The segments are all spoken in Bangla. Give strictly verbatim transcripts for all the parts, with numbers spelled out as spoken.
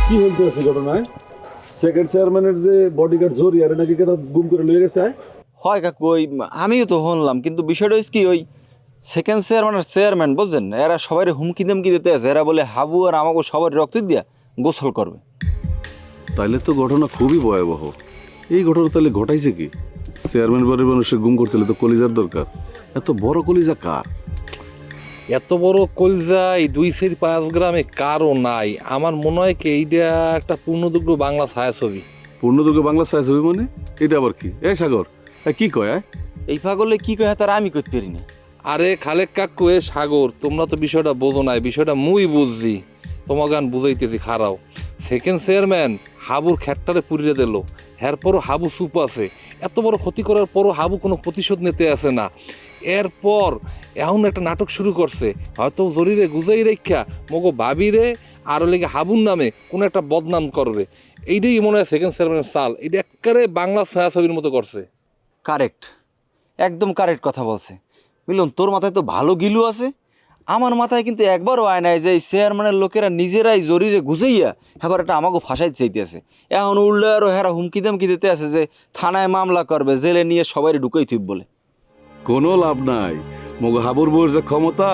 কি হইতেছে ঘটনায়? সেকেন্ড চেয়ারম্যানের যে বডিগার্ড জরিয়ারে নাকি কেটা গুম করে লয়ে গেছে? হয় কাকু, ওই আমিও তো শুনলাম, কিন্তু বিষয়টা হচ্ছে কি, ওই সেকেন্ড চেয়ারম্যান আর চেয়ারম্যান বুঝছেন, এরা সবাই হুমকি দামকি দিতে আছে। এরা বলে হাবু আর আমাকে সবার রক্ত দিয়া গোসল করবে। তাইলে তো ঘটনা খুবই ভয়াবহ। এই ঘটনা তাহলে ঘটাইছে কি? চেয়ারম্যান বাড়ির মানুষে গুম করতে হলে তো কলিজার দরকার। এত বড় কলিজা কার? এত বড় কলজা এই দুই সের পাঁচ গ্রামে কারও নাই। আমার মনে হয় কি এইটা একটা পূর্ণদুগ্ধ বাংলা ছায়াছবি। পূর্ণদুর্গ বাংলা ছায়াছবি মানে? এটা আবার কি? এ সাগর, এ কি কয়? আয় এই পাগলে কি কয় তার আমি করতে পারি না। আরে খালেক কাকু, এ সাগর, তোমরা তো বিষয়টা বোঝো নাই, বিষয়টা মুই বুঝছি, তোমাকে গান বুঝাইতেছি খারাও। সেকেন্ড চেয়ারম্যান হাবুর খ্যাটটারে পুড়িয়ে দিল, এরপরও হাবু চুপ আছে। এত বড় ক্ষতি করার পরও হাবু কোনো প্রতিশোধ নিতে আসে না। এরপর এখন একটা নাটক শুরু করছে, হয়তো জরিরে গুজাই রেখা মগো ভাবিরে আর লেগে হাবুর নামে কোনো একটা বদনাম করবে। এইটাই মনে হয় সেকেন্ড চেয়ারম্যানের চাল। এটা একেবারে বাংলা ছায়াছবির মতো করছে। কারেক্ট, একদম কারেক্ট কথা বলছে মিলন। তোর মাথায় তো ভালো গিলু আছে, আমার মাথায় কিন্তু একবারও আয় নাই যে এই চেয়ারম্যানের লোকেরা নিজেরাই জরিরে গুজাইয়া এবার একটা আমাকে ফাঁসাই চাইতেছে। এখন উল্লে আরও হেরা হুমকি দামকি দিতে আছে যে থানায় মামলা করবে, জেলে নিয়ে সবাই ঢুকাই থুব বলে। কোনো লাভ নাই। মগ হাবুর বউর যে ক্ষমতা,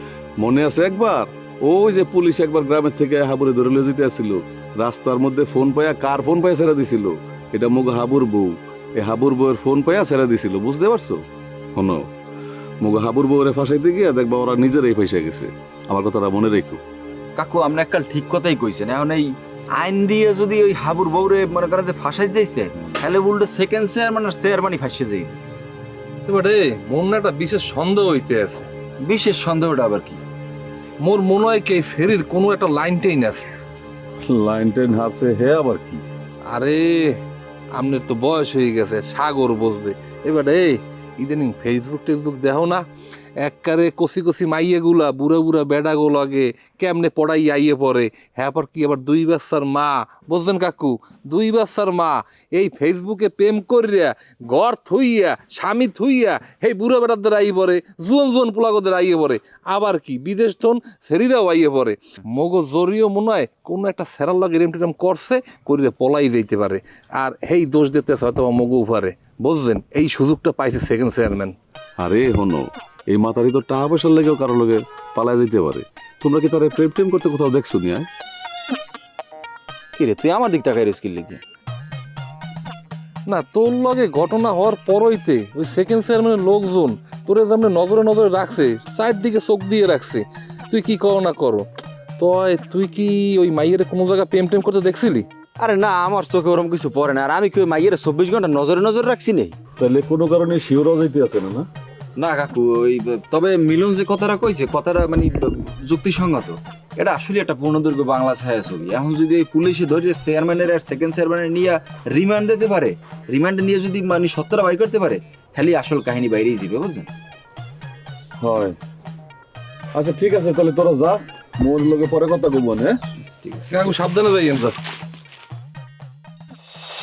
মনে আছে একবার ওই যে পুলিশ একবার গ্রামের থেকে হাবুরে ধরে লিয়ে যেতে আসছিল, রাস্তার মধ্যে ফোন পাইয়া, কার ফোন পাইয়া ছেড়ে দিছিল? এটা মগ হাবুর বউ। এই হাবুর বউয়ের ফোন পাইয়া ছেড়ে দিছিল, বুঝতে পারছো? শোনো, মগ হাবুর বউরে ফাঁসাইতে গিয়া দেখবা ওরা নিজেরাই ফাঁসে গেছে। আমার কথাটা মনে রেখো। কাকু আপনি একটা ঠিক কথাই কইছেন। এখন এই আইন দিয়ে যদি ওই হাবুর বউরে মনে করেন যে ফাঁসাই যাইছে, তাহলে উল্টো সেকেন্ড চেয়ারম্যান আর চেয়ারম্যানই ফাঁসে যাই। এবারে মন না একটা বিশেষ সন্দেহ হইতে আছে। বিশেষ সন্দেহটা আবার কি? মোর মনে হয় কি ফেরির কোনো একটা লাইন টেইন আছে। লাইন টেন হারছে হে আবার কি? আরে আপনার তো বয়স হয়ে গেছে, সাগর বুঝতে। এবারে এই ইদানিং ফেসবুক টেসবুক দেখো না, এককারে কষি কষি মাইয়ে গুলা বুড়া বুড়া বেডা গোলাগে কেমনে পড়াই আইয়ে পড়ে। হ্যাঁ আবার কি আবার দুই বাচ্চার মা, বুঝলেন কাকু, দুই বাচ্চার মা এই ফেসবুকে প্রেম করিয়া ঘর থুইয়া স্বামী থুইয়া এই বুড়া বেড়াদের আইয়ে পড়ে, জুয়ন জুয়ন পোলাগদের আইয়ে পড়ে। আবার কি বিদেশ থন ফেরিরাও আইয়ে পড়ে। মগো জরিও মনে হয় কোনো একটা সেরাল লাগে এরম টেরম করছে, করিলে পলাই যাইতে পারে। আর এই দোষ দিতে হয়তো মগো উপারে, বুঝলেন? এই সুযোগটা পাইছে সেকেন্ড চেয়ারম্যান। আরে হনো, এই মাতারি তো টাকা পয়সার লেগেও কারো লগে পালায় দিতে পারে। তোমরা কি তারা প্রেম টেম করতে কোথাও দেখছো নি? আয় কি রে, তুই আমার দিক তাকাই রিস্কিল লিখি না, তোর লগে ঘটনা হওয়ার পরইতে ওই সেকেন্ড চেয়ারম্যানের লোকজন তোরে যেমন নজরে নজরে রাখছে, চারদিকে চোখ দিয়ে রাখছে, তুই কি করো না করো। তয় তুই কি ওই মাইয়ের কোনো জায়গায় প্রেম টেম করতে দেখছিলি? আরে না, আমার চোখে ওরকম কিছু পড়ে না। আর আমি কি ওই মাইয়ের চব্বিশ ঘন্টা নজরে নজরে রাখছি নেই? তাহলে কোনো কারণে শিওরাও যাইতে আছে না? না না কাকু, ওই তবে মিলন যে কথাটা কইছে, কথাটা মানে যুক্তিসঙ্গত। এটা আসলে একটা পূর্ণদৈর্ঘ্য বাংলা ছায়াছবি। এখন যদি এই পুলিশে ধরে চেয়ারম্যানের আর সেকেন্ড চেয়ারম্যানের নিয়ে রিমান্ড দিতে পারে, রিমান্ডে নিয়ে যদি মানে সত্যটা বাইর করতে পারে, তাহলে আসল কাহিনী বাইরেই যাবে, বুঝছেন? হয়। আচ্ছা ঠিক আছে, তাহলে তোরা যা, মোর লগে পরে কথা কইব। হ্যাঁ কাকু সাবধানে যাই।